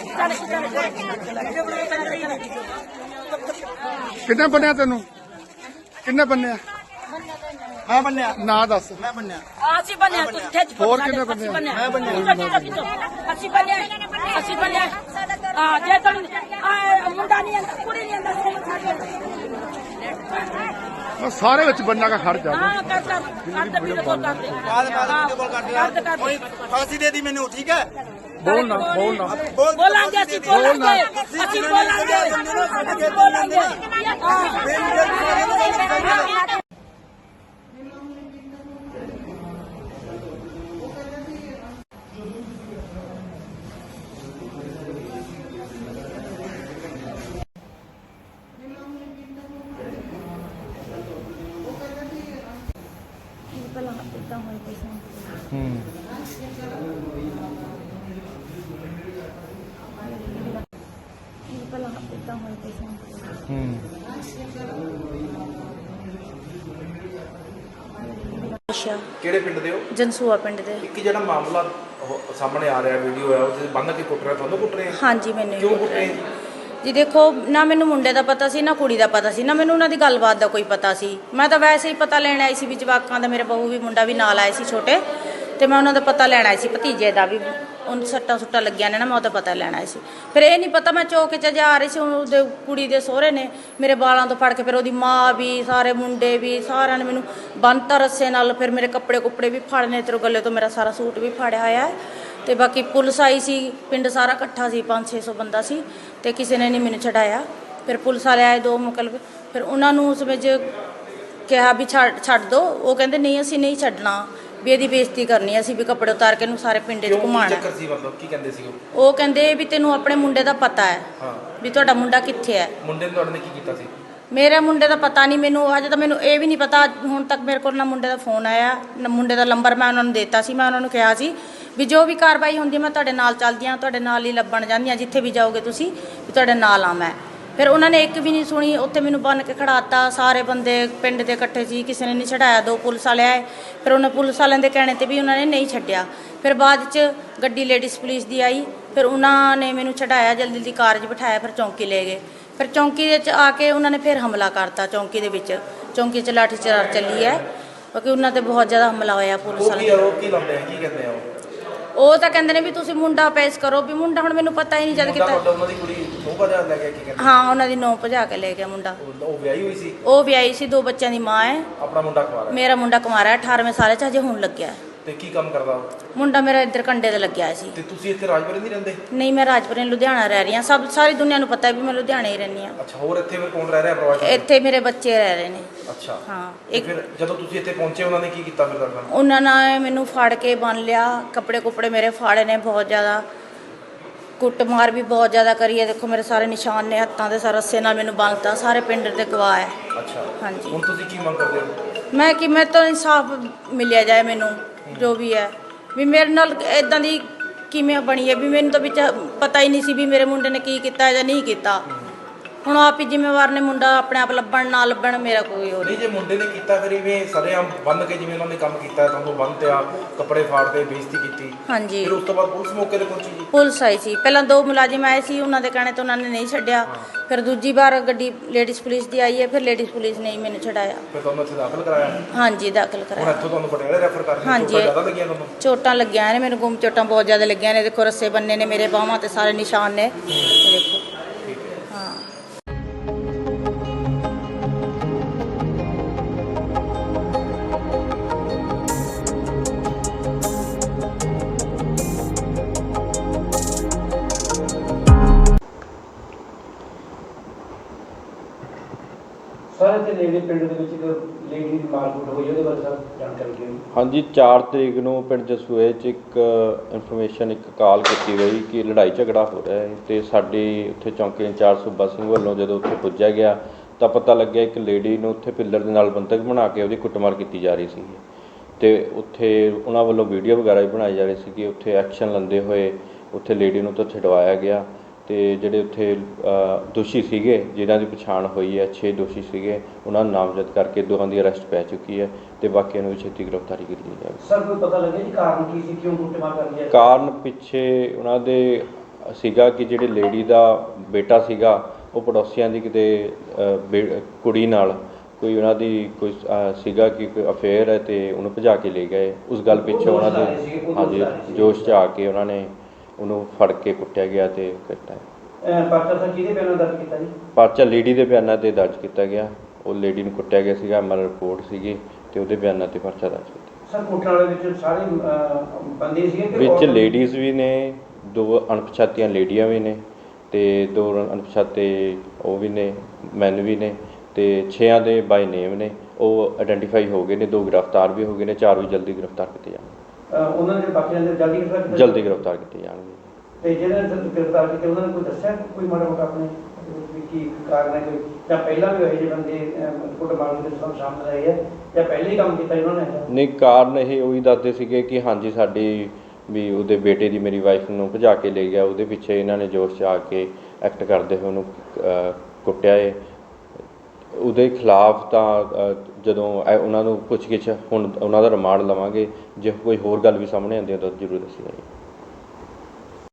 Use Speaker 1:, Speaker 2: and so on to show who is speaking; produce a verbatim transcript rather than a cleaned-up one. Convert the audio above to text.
Speaker 1: किन्ने बनिया तेन किन्ने बनिया
Speaker 2: मैं बनया
Speaker 1: ना दस
Speaker 2: मैं बनया
Speaker 3: ਅਸੀਂ ਬਣਿਆ ਤੂੰ ਖੇਚ
Speaker 1: ਹੋਰ ਕਿੰਨੇ ਬੰਦੇ ਆ?
Speaker 2: मैं बनया
Speaker 3: ਅਸੀਂ ਬਣਿਆ ਅਸੀਂ ਬਣਿਆ ਹਾਂ ਜੇ ਤੂੰ ਮੁੰਡਾ ਨਹੀਂ ਆਂਦਾ ਕੁੜੀ ਨਹੀਂ ਆਂਦਾ
Speaker 1: सारे विच बनना का खर्च आ
Speaker 3: ਹਾਂ ਕਰ ਕਰ ਕਰ ਦੇ ਵੀਡੀਓ ਕਾਲ ਕਰ ਦੇ
Speaker 2: बाद बाद वीडियो कॉल कर दिया कोई फांसी दे दी मैंने ठीक है
Speaker 1: बोलना बोलना
Speaker 2: बोल
Speaker 3: ਬੋਲਾਂਗੇ ਅਸੀਂ ਬੋਲਾਂਗੇ ਅਸੀਂ ਬੋਲਾਂਗੇ ਅਸੀਂ ਬੋਲਾਂਗੇ ਹਾਂ ਪਹਿਲਾਂ ਇਦਾਂ ਹੋਈ ਪਈ ਸੀ
Speaker 1: हम्म
Speaker 3: ਪਹਿਲਾਂ ਇਦਾਂ ਹੋਈ ਪਈ ਸੀ
Speaker 1: हम्म
Speaker 3: ਅੱਛਾ
Speaker 4: ਕਿਹੜੇ ਪਿੰਡ ਦੇ ਹੋ?
Speaker 3: ਜਨਸੂਆ ਪਿੰਡ ਦੇ
Speaker 4: ਇੱਕ ਜਿਹੜਾ ਮਾਮਲਾ ਉਹ ਸਾਹਮਣੇ ਆ ਰਿਹਾ ਵੀਡੀਓ ਹੈ ਉਹਦੇ ਬੰਨ ਕੇ ਕੁੱਟ ਰਿਹਾ ਤੁਹਾਨੂੰ ਕੁੱਟ ਰਹੇ ਆ?
Speaker 3: ਹਾਂਜੀ ਮੈਨੂੰ
Speaker 4: ਕਿਉਂ ਕੁੱਟ ਰਹੇ ਆ ਜੀ?
Speaker 3: ਜੀ ਦੇਖੋ ਨਾ ਮੈਨੂੰ ਮੁੰਡੇ ਦਾ ਪਤਾ ਸੀ ਨਾ ਕੁੜੀ ਦਾ ਪਤਾ ਸੀ ਨਾ ਮੈਨੂੰ ਉਹਨਾਂ ਦੀ ਗੱਲਬਾਤ ਦਾ ਕੋਈ ਪਤਾ ਸੀ ਮੈਂ ਤਾਂ ਵੈਸੇ ਹੀ ਪਤਾ ਲੈਣ ਆਈ ਸੀ ਵੀ ਜਵਾਕਾਂ ਦਾ ਮੇਰੇ ਬਹੂ ਵੀ ਮੁੰਡਾ ਵੀ ਨਾਲ ਆਏ ਸੀ ਛੋਟੇ ਤੇ ਮੈਂ ਉਹਨਾਂ ਦਾ ਪਤਾ ਲੈਣ ਆਈ ਸੀ ਭਤੀਜੇ ਦਾ ਵੀ ਉਹਨੂੰ ਸੱਟਾਂ ਸੁੱਟਾਂ ਲੱਗੀਆਂ ਨੇ ਨਾ ਮੈਂ ਉਹਦਾ ਪਤਾ ਲੈਣ ਆਈ ਸੀ ਫਿਰ ਇਹ ਨਹੀਂ ਪਤਾ ਮੈਂ ਚੌਕ 'ਚ ਜਾ ਰਹੀ ਸੀ ਉਹਦੇ ਕੁੜੀ ਦੇ ਸਹੁਰੇ ਨੇ ਮੇਰੇ ਬਾਲਾਂ ਤੋਂ ਫੜ ਕੇ ਫਿਰ ਉਹਦੀ ਮਾਂ ਵੀ ਸਾਰੇ ਮੁੰਡੇ ਵੀ ਸਾਰਿਆਂ ਨੇ ਮੈਨੂੰ ਬੰਨ੍ਹਤਾ ਰੱਸੇ ਨਾਲ ਫਿਰ ਮੇਰੇ ਕੱਪੜੇ ਕੁੱਪੜੇ ਵੀ ਫੜਨੇ ਤੇਰੇ ਗੱਲੇ ਤੋਂ ਮੇਰਾ ਸਾਰਾ ਸੂਟ ਵੀ ਫੜਿਆ ਹੋਇਆ ਹੈ ਤੇ ਬਾਕੀ ਪੁਲਿਸ ਆਈ ਸੀ ਪਿੰਡ ਸਾਰਾ ਇਕੱਠਾ ਸੀ ਪੰਜ ਛੇ ਸੌ ਬੰਦਾ ਸੀ ਤੇ ਕਿਸੇ ਨੇ ਨਹੀਂ ਮੈਨੂੰ ਛਡਾਇਆ ਫਿਰ ਪੁਲਿਸ ਵਾਲੇ ਆਏ ਦੋ ਮੁਕਲਬ ਫਿਰ ਉਹਨਾਂ ਨੂੰ ਉਸ ਵਿੱਚ ਕਿਹਾ ਵੀ ਛੱਡ ਛੱਡ ਦਿਓ ਉਹ ਕਹਿੰਦੇ ਨਹੀਂ ਅਸੀਂ ਨਹੀਂ ਛੱਡਣਾ ਵੀ ਇਹਦੀ ਬੇਇੱਜ਼ਤੀ ਕਰਨੀ ਅਸੀਂ ਵੀ ਕੱਪੜੇ ਉਤਾਰ ਕੇ ਇਹਨੂੰ ਸਾਰੇ ਪਿੰਡ 'ਚ
Speaker 4: ਕਿਉਂ ਕੀ
Speaker 3: ਘੁਮਾਉਣਾ
Speaker 4: ਚੱਕਰ ਸੀ ਮਤਲਬ ਕੀ ਕਹਿੰਦੇ ਸੀ ਉਹ?
Speaker 3: ਉਹ ਕਹਿੰਦੇ ਵੀ ਤੈਨੂੰ ਆਪਣੇ ਮੁੰਡੇ ਦਾ ਪਤਾ ਹੈ
Speaker 4: ਹਾਂ
Speaker 3: ਵੀ ਤੁਹਾਡਾ ਮੁੰਡਾ ਕਿੱਥੇ ਹੈ
Speaker 4: ਮੁੰਡੇ ਨੇ ਤੁਹਾਡੇ ਨੇ ਕੀ ਕੀਤਾ ਸੀ?
Speaker 3: ਮੇਰੇ ਮੁੰਡੇ ਦਾ ਪਤਾ ਨਹੀਂ ਮੈਨੂੰ ਅਜੇ ਤਾਂ ਮੈਨੂੰ ਇਹ ਵੀ ਨਹੀਂ ਪਤਾ ਹੁਣ ਤੱਕ ਮੇਰੇ ਕੋਲ ਨਾ ਮੁੰਡੇ ਦਾ ਫੋਨ ਆਇਆ ਨਾ ਮੁੰਡੇ ਦਾ ਨੰਬਰ ਮੈਂ ਉਹਨਾਂ ਨੂੰ ਦਿੱਤਾ ਸੀ ਮੈਂ ਉਹਨਾਂ ਨੂੰ ਕਿਹਾ ਸੀ ਵੀ ਜੋ ਵੀ ਕਾਰਵਾਈ ਹੁੰਦੀ ਮੈਂ ਤੁਹਾਡੇ ਨਾਲ ਚੱਲਦੀ ਹਾਂ ਤੁਹਾਡੇ ਨਾਲ ਹੀ ਲੱਭਣ ਜਾਂਦੀ ਹਾਂ ਜਿੱਥੇ ਵੀ ਜਾਓਗੇ ਤੁਸੀਂ ਵੀ ਤੁਹਾਡੇ ਨਾਲ ਆ ਮੈਂ ਫਿਰ ਉਹਨਾਂ ਨੇ ਇੱਕ ਵੀ ਨਹੀਂ ਸੁਣੀ ਉੱਥੇ ਮੈਨੂੰ ਬੰਨ੍ਹ ਕੇ ਖੜਾਤਾ ਸਾਰੇ ਬੰਦੇ ਪਿੰਡ ਦੇ ਇਕੱਠੇ ਸੀ ਕਿਸੇ ਨੇ ਨਹੀਂ ਛਡਾਇਆ ਦੋ ਪੁਲਿਸ ਵਾਲੇ ਆਏ ਫਿਰ ਉਹਨਾਂ ਪੁਲਿਸ ਵਾਲਿਆਂ ਦੇ ਕਹਿਣੇ 'ਤੇ ਵੀ ਉਹਨਾਂ ਨੇ ਨਹੀਂ ਛੱਡਿਆ ਫਿਰ ਬਾਅਦ 'ਚ ਗੱਡੀ ਲੇਡੀਜ਼ ਪੁਲਿਸ ਦੀ ਆਈ ਫਿਰ ਉਹਨਾਂ ਨੇ ਮੈਨੂੰ ਛਡਾਇਆ ਜਲਦੀ ਜਲਦੀ ਕਾਰ 'ਚ ਬਿਠਾਇਆ ਫਿਰ ਚੌਂਕੀ ਲੈ ਗਏ ਫਿਰ ਚੌਂਕੀ ਦੇ 'ਚ ਆ ਕੇ ਉਹਨਾਂ ਨੇ ਫਿਰ ਹਮਲਾ ਕਰਤਾ ਚੌਂਕੀ ਦੇ ਵਿੱਚ ਚੌਂਕੀ 'ਚ ਲਾਠੀ ਚਾਰ ਚੱਲੀ ਹੈ ਕਿਉਂਕਿ ਉਹਨਾਂ 'ਤੇ ਬਹੁਤ ਜ਼ਿਆਦਾ ਹਮਲਾ ਹੋਇਆ ਪੁਲਿਸ
Speaker 4: ਉਹ ਕੀ
Speaker 3: ਵਾਲੇ
Speaker 4: ਉਹ ਕੀ ਲਾਉਂਦੇ ਆ ਕੀ ਕਹਿੰਦੇ ਆ ਉਹ?
Speaker 3: ਉਹ ਤਾਂ ਕਹਿੰਦੇ ਨੇ ਵੀ ਤੁਸੀਂ ਮੁੰਡਾ ਪੇਸ਼ ਕਰੋ ਵੀ ਮੁੰਡਾ ਹੁਣ ਮੈਨੂੰ ਪਤਾ ਹੀ ਨਹੀਂ ਜਦ
Speaker 4: ਮੁੰਡਾ
Speaker 3: ਕਿਤਾ
Speaker 4: ਤੁਹਾਡਾ ਉਹਨਾਂ ਦੀ ਕੁੜੀ ਨੌ ਵਜੇ ਲੈ ਗਿਆ ਕੀ ਕਹਿੰਦੇ?
Speaker 3: ਹਾਂ ਉਹਨਾਂ ਦੀ ਨੌ ਭਜਾ ਕੇ ਲੈ ਗਿਆ ਮੁੰਡਾ
Speaker 4: ਉਹ- ਉਹ ਵਿਆਹੀ ਹੋਈ ਸੀ
Speaker 3: ਉਹ ਵੀ ਆਈ ਸੀ ਦੋ ਬੱਚਿਆਂ ਦੀ ਮਾਂ ਹੈ
Speaker 4: ਆਪਣਾ ਮੁੰਡਾ ਕੁਆਰਾ
Speaker 3: ਮੇਰਾ ਮੁੰਡਾ ਕੁਮਾਰਾ ਹੈ ਅਠਾਰਵੇਂ ਸਾਲ 'ਚ ਹਜੇ ਹੁਣ ਲੱਗਿਆ ਹੈ।
Speaker 4: ਤੇ ਕੀ ਕੰਮ ਕਰਦਾ ਉਹ?
Speaker 3: ਮੁੰਡਾ ਮੇਰਾ ਇੱਧਰ ਕੰਡੇ ਤੇ ਲੱਗਿਆ ਹੋਇਆ ਸੀ
Speaker 4: ਤੇ ਤੁਸੀਂ ਇੱਥੇ ਰਾਜਪੁਰੇ ਨਹੀਂ ਰਹਿੰਦੇ?
Speaker 3: ਨਹੀਂ ਮੈਂ ਰਾਜਪੁਰੇ ਲੁਧਿਆਣਾ ਰਹਿ ਰਹੀ ਹਾਂ ਸਭ ਸਾਰੀ ਦੁਨੀਆ ਨੂੰ ਪਤਾ ਹੈ ਵੀ ਮੈਂ ਲੁਧਿਆਣੇ ਹੀ ਰਹਿੰਦੀ ਹਾਂ
Speaker 4: ਅੱਛਾ ਹੋਰ ਇੱਥੇ ਫਿਰ ਕੌਣ ਰਹਿ ਰਿਹਾ ਪਰਿਵਾਰ 'ਚ?
Speaker 3: ਇੱਥੇ ਮੇਰੇ ਬੱਚੇ ਰਹਿ ਰਹੇ ਨੇ
Speaker 4: ਅੱਛਾ
Speaker 3: ਹਾਂ
Speaker 4: ਤੇ
Speaker 3: ਇੱਕ
Speaker 4: ਫਿਰ ਜਦੋਂ ਤੁਸੀਂ ਇੱਥੇ ਪਹੁੰਚੇ ਉਹਨਾਂ ਨੇ ਕੀ ਕੀਤਾ ਫਿਰ ਤੁਹਾਡੇ ਨਾਲ?
Speaker 3: ਉਹਨਾਂ ਨੇ ਮੈਨੂੰ ਫੜ ਕੇ ਬੰਨ ਲਿਆ ਕੱਪੜੇ ਕੁੱਪੜੇ ਮੇਰੇ ਫਾੜੇ ਨੇ ਬਹੁਤ ਜ਼ਿਆਦਾ ਕੁੱਟਮਾਰ ਵੀ ਬਹੁਤ ਜ਼ਿਆਦਾ ਕਰੀ ਹੈ ਦੇਖੋ ਮੇਰੇ ਸਾਰੇ ਨਿਸ਼ਾਨ ਨੇ ਹੱਥਾਂ ਦੇ ਸਾਰੇ ਰੱਸੇ ਨਾਲ ਮੈਨੂੰ ਬੰਨ੍ਹਤਾ ਸਾਰੇ ਪਿੰਡ ਦੇ ਗਵਾਹ ਹੈ
Speaker 4: ਅੱਛਾ
Speaker 3: ਹਾਂਜੀ
Speaker 4: ਹੁਣ ਤੁਸੀਂ ਕੀ ਮੰਗ ਕਰਦੇ ਹੋ?
Speaker 3: ਮੈਂ ਕਿ ਮੈਂ ਤਾਂ ਇਨਸਾਫ ਮਿਲਿਆ ਜਾਏ ਮੈਨੂੰ ਜੋ ਵੀ ਹੈ ਵੀ ਮੇਰੇ ਨਾਲ ਇਦਾਂ ਦੀ ਕਿਵੇਂ ਬਣੀ ਹੈ ਵੀ ਮੈਨੂੰ ਤਾਂ ਵਿੱਚ ਪਤਾ ਹੀ ਨਹੀਂ ਸੀ ਵੀ ਮੇਰੇ ਮੁੰਡੇ ਨੇ ਕੀ ਕੀਤਾ ਜਾਂ ਨਹੀਂ ਕੀਤਾ ਹੁਣ ਆਪ ਹੀ ਜ਼ਿੰਮੇਵਾਰ ਨੇ ਮੁੰਡਾ ਆਪਣੇ ਆਪ ਲੱਭਣ ਨਾ ਲੱਭਣ ਮੇਰਾ ਕੋਈ ਹੋਰ
Speaker 4: ਨਹੀਂ ਜੇ ਮੁੰਡੇ ਨੇ ਕੀਤਾ ਫਿਰ ਇਵੇਂ ਸਰੇਆਮ ਬੰਨ ਕੇ ਜਿਵੇਂ ਉਹਨਾਂ ਨੇ ਕੰਮ ਕੀਤਾ ਤੁਹਾਨੂੰ ਬੰਨ ਤੇ ਆ ਕੱਪੜੇ ਫਾੜਦੇ ਬੇਇੱਜ਼ਤੀ ਕੀਤੀ
Speaker 3: ਹਾਂਜੀ
Speaker 4: ਫਿਰ ਉਸ ਤੋਂ ਬਾਅਦ ਪੁਲਿਸ ਮੌਕੇ ਤੇ ਪਹੁੰਚੀ ਜੀ?
Speaker 3: ਪੁਲਿਸ ਆਈ ਸੀ ਪਹਿਲਾਂ ਦੋ ਮੁਲਾਜ਼ਮ ਆਏ ਸੀ ਉਹਨਾਂ ਦੇ ਕਹਿਣੇ ਤੋਂ ਉਹਨਾਂ ਨੇ ਨਹੀਂ ਛੱਡਿਆ ਫਿਰ ਦੂਜੀ ਵਾਰ ਗੱਡੀ ਲੇਡੀਜ਼ ਪੁਲਿਸ ਦੀ ਆਈ ਹੈ ਫਿਰ ਲੇਡੀਜ਼ ਪੁਲਿਸ ਨੇ ਹੀ ਮੈਨੂੰ ਛਡਾਇਆ
Speaker 4: ਫਿਰ ਤੁਹਾਨੂੰ ਇੱਥੇ ਦਾਖਲ ਕਰਾਇਆ?
Speaker 3: ਹਾਂਜੀ ਦਾਖਲ
Speaker 4: ਹੁਣ
Speaker 3: ਕਰਾਇਆ
Speaker 4: ਇੱਥੋਂ ਤੁਹਾਨੂੰ ਪਟਿਆਲੇ ਰੈਫਰ ਕਰ ਰਹੇ
Speaker 3: ਹਾਂਜੀ।
Speaker 4: ਚੋਟਾਂ ਜ਼ਿਆਦਾ ਲੱਗੀਆਂ ਤੁਹਾਨੂੰ?
Speaker 3: ਚੋਟਾਂ ਲੱਗੀਆਂ ਨੇ ਮੈਨੂੰ ਗੁੰਮ ਚੋਟਾਂ ਬਹੁਤ ਜ਼ਿਆਦਾ ਲੱਗੀਆਂ ਨੇ ਦੇਖੋ ਰੱਸੇ ਬੰਨੇ ਨੇ ਮੇਰੇ ਬਾਹਾਂ ਤੇ ਸਾਰੇ ਨਿਸ਼ਾਨ ਨੇ ਇਹ ਦੇਖੋ
Speaker 4: ਠੀਕ ਹੈ
Speaker 3: ਹਾਂ
Speaker 5: ਸਰ ਇੱਥੇ ਨੇੜੇ ਪਿੰਡ ਦੇ ਵਿੱਚ ਇੱਕ ਲੇਡੀ ਦੀ ਮਾਰਕੁੱਟ ਹੋਈ ਉਹਦੇ ਬਾਰੇ ਸਰ ਜਾਣਕਾਰੀ ਦਿਓ।
Speaker 6: ਹਾਂਜੀ ਚਾਰ ਤਰੀਕ ਨੂੰ ਪਿੰਡ ਜਸੂਏ 'ਚ ਇੱਕ ਇਨਫੋਰਮੇਸ਼ਨ ਇੱਕ ਕਾਲ ਕੀਤੀ ਗਈ ਕਿ ਲੜਾਈ ਝਗੜਾ ਹੋ ਰਿਹਾ ਹੈ ਤੇ ਸਾਡੀ ਉੱਥੇ ਚੌਂਕੀ ਇੰਚਾਰਜ ਸੂਬਾ ਸਿੰਘ ਵੱਲੋਂ ਜਦੋਂ ਉੱਥੇ ਪੁੱਜਿਆ ਗਿਆ ਤਾਂ ਪਤਾ ਲੱਗਿਆ ਇੱਕ ਲੇਡੀ ਨੂੰ ਉੱਥੇ ਪਿੱਲਰ ਦੇ ਨਾਲ ਬੰਧਕ ਬਣਾ ਕੇ ਉਹਦੀ ਕੁੱਟਮਾਰ ਕੀਤੀ ਜਾ ਰਹੀ ਸੀ ਤੇ ਉੱਥੇ ਉਹਨਾਂ ਵੱਲੋਂ ਵੀਡੀਓ ਵਗੈਰਾ ਵੀ ਬਣਾਈ ਜਾ ਰਹੀ ਸੀ ਕਿ ਉੱਥੇ ਐਕਸ਼ਨ ਲੈਂਦੇ ਹੋਏ ਉੱਥੇ ਲੇਡੀ ਨੂੰ ਤਾਂ ਛਡਵਾਇਆ ਗਿਆ ਤੇ ਜਿਹੜੇ ਉੱਥੇ ਦੋਸ਼ੀ ਸੀਗੇ ਜਿਨ੍ਹਾਂ ਦੀ ਪਛਾਣ ਹੋਈ ਹੈ ਛੇ ਦੋਸ਼ੀ ਸੀਗੇ ਉਹਨਾਂ ਨੂੰ ਨਾਮਜ਼ਦ ਕਰਕੇ ਦੋਹਾਂ ਦੀ ਅਰੈਸਟ ਪੈ ਚੁੱਕੀ ਹੈ ਤੇ ਬਾਕੀਆਂ ਨੂੰ ਵੀ ਛੇਤੀ ਗ੍ਰਿਫਤਾਰੀ ਕੀਤੀ ਜਾਵੇ।
Speaker 5: ਸਰ ਕੋਈ ਪਤਾ ਲੱਗਿਆ ਜੀ ਕਾਰਨ ਕੀ ਸੀ ਕਿਉਂ ਕੁੱਟਮਾਰ ਕਰ ਰਹੀ ਹੈ?
Speaker 6: ਕਾਰਨ ਪਿੱਛੇ ਉਹਨਾਂ ਦੇ ਸੀਗਾ ਕਿ ਜਿਹੜੀ ਲੇਡੀ ਦਾ ਬੇਟਾ ਸੀਗਾ ਉਹ ਪੜੋਸੀਆਂ ਦੀ ਕਿਤੇ ਅ, ਬੇ- ਕੁੜੀ ਨਾਲ ਕੋਈ ਉਹਨਾਂ ਦੀ ਕੋਈ ਅ, ਸੀਗਾ ਕਿ ਕੋਈ ਅਫੇਅਰ ਹੈ ਤੇ ਉਹਨੂੰ ਭਜਾ ਕੇ ਲੈ ਗਏ। ਉਸ ਗੱਲ ਪਿੱਛੇ ਉਹਨਾਂ ਦੇ ਹਾਂਜੀ ਜੋਸ਼ 'ਚ ਆ ਕੇ ਉਹਨਾਂ ਨੇ ਉਹਨੂੰ ਫੜ ਕੇ ਕੁੱਟਿਆ ਗਿਆ ਤੇ ਕੀਤਾ।
Speaker 5: ਪਰਚਾ ਸਰ ਕਿਹਦੇ ਬਿਆਨਾਂ ਦਰਜ ਕੀਤਾ ਜੀ?
Speaker 6: ਪਰਚਾ ਲੇਡੀ ਦੇ ਬਿਆਨਾਂ ਤੇ ਦਰਜ ਕੀਤਾ ਗਿਆ। ਉਹ ਲੇਡੀ ਨੂੰ ਕੁੱਟਿਆ ਗਿਆ ਸੀਗਾ, ਐਮ ਐਲ ਰਿਪੋਰਟ ਸੀਗੀ ਤੇ ਉਹਦੇ ਬਿਆਨਾਂ ਤੇ ਪਰਚਾ ਦਰਜ ਕੀਤਾ।
Speaker 5: ਸਰ ਕੁੱਟਣ ਵਾਲੇ ਵਿੱਚ ਸਾਰੇ ਅਹ, ਬੰਦੇ ਸੀਗੇ ਕਿ
Speaker 6: ਵਿੱਚ
Speaker 5: ਔਰਤਾਂ?
Speaker 6: ਲੇਡੀਜ਼ ਵੀ ਨੇ, ਦੋ ਅਣਪਛਾਤੀਆਂ ਲੇਡੀਆਂ ਵੀ ਨੇ ਤੇ ਦੋ ਅਣਪਛਾਤੇ ਉਹ ਵੀ ਨੇ, ਮੈਨ ਵੀ ਨੇ ਤੇ ਛੇਆਂ ਦੇ ਬਾਈ ਨੇਮ ਨੇ। ਉਹ ਆਇਡੈਂਟੀਫਾਈ ਹੋ ਗਏ ਨੇ, ਦੋ ਗ੍ਰਿਫਤਾਰ ਵੀ ਹੋ ਗਏ ਨੇ, ਚਾਰ ਵੀ ਜਲਦੀ ਗ੍ਰਿਫਤਾਰ ਕੀਤੇ ਜਾਣਗੇ।
Speaker 5: ਅਹ, ਉਹਨਾਂ ਦੇ ਬਾਕੀ ਦੇ ਜਲਦੀ ਗ੍ਰਿਫਤਾਰ ਕੀਤਾ?
Speaker 6: ਜਲਦੀ ਗ੍ਰਿਫਤਾਰ ਕੀਤੇ ਜਾਣਗੇ।
Speaker 5: ਤੇ ਜਿਹੜੇ ਗ੍ਰਿਫਤਾਰ ਕੀਤੇ ਉਹਨਾਂ ਨੇ ਕੋਈ ਦੱਸਿਆ ਕੋਈ ਮਾੜਾ ਮੋਟਾ ਆਪਣੇ ਵੀ ਕੀ ਕਾਰਨ ਹੈ ਕੋਈ, ਜਾਂ ਪਹਿਲਾਂ ਵੀ ਇਹੋ ਜਿਹੇ ਬੰਦੇ ਕੁੱਟ ਮਾਰ ਦੇ ਸਭ ਸਾਹਮਣੇ ਆਏ ਹੈ ਜਾਂ ਪਹਿਲੇ ਹੀ ਕੰਮ ਕੀਤਾ ਇਹਨਾਂ ਨੇ?
Speaker 6: ਨਹੀਂ, ਕਾਰਨ ਇਹ ਉਹੀ ਦੱਸਦੇ ਸੀਗੇ ਕਿ ਹਾਂਜੀ ਸਾਡੀ ਵੀ ਉਹਦੇ ਬੇਟੇ ਦੀ ਮੇਰੀ ਵਾਈਫ ਨੂੰ ਭਜਾ ਕੇ ਲੈ ਗਿਆ, ਉਹਦੇ ਪਿੱਛੇ ਇਹਨਾਂ ਨੇ ਜੋਸ਼ 'ਚ ਆ ਕੇ ਐਕਟ ਕਰਦੇ ਹੋਏ ਉਹਨੂੰ ਅ, ਕੁੱਟਿਆ ਏ। ਉਹਦੇ ਖਿਲਾਫ ਤਾਂ ਅ, ਜਦੋਂ ਐ- ਉਹਨਾਂ ਨੂੰ ਪੁੱਛ ਗਿੱਛ ਹੁਣ ਉਹਨਾਂ ਦਾ ਰਿਮਾਂਡ ਲਵਾਂਗੇ, ਜੇ ਕੋਈ ਹੋਰ ਗੱਲ ਵੀ ਸਾਹਮਣੇ ਆਉਂਦੀ ਹੈ ਤਾਂ ਜ਼ਰੂਰ ਦੱਸੀ ਜਾਏਗੀ।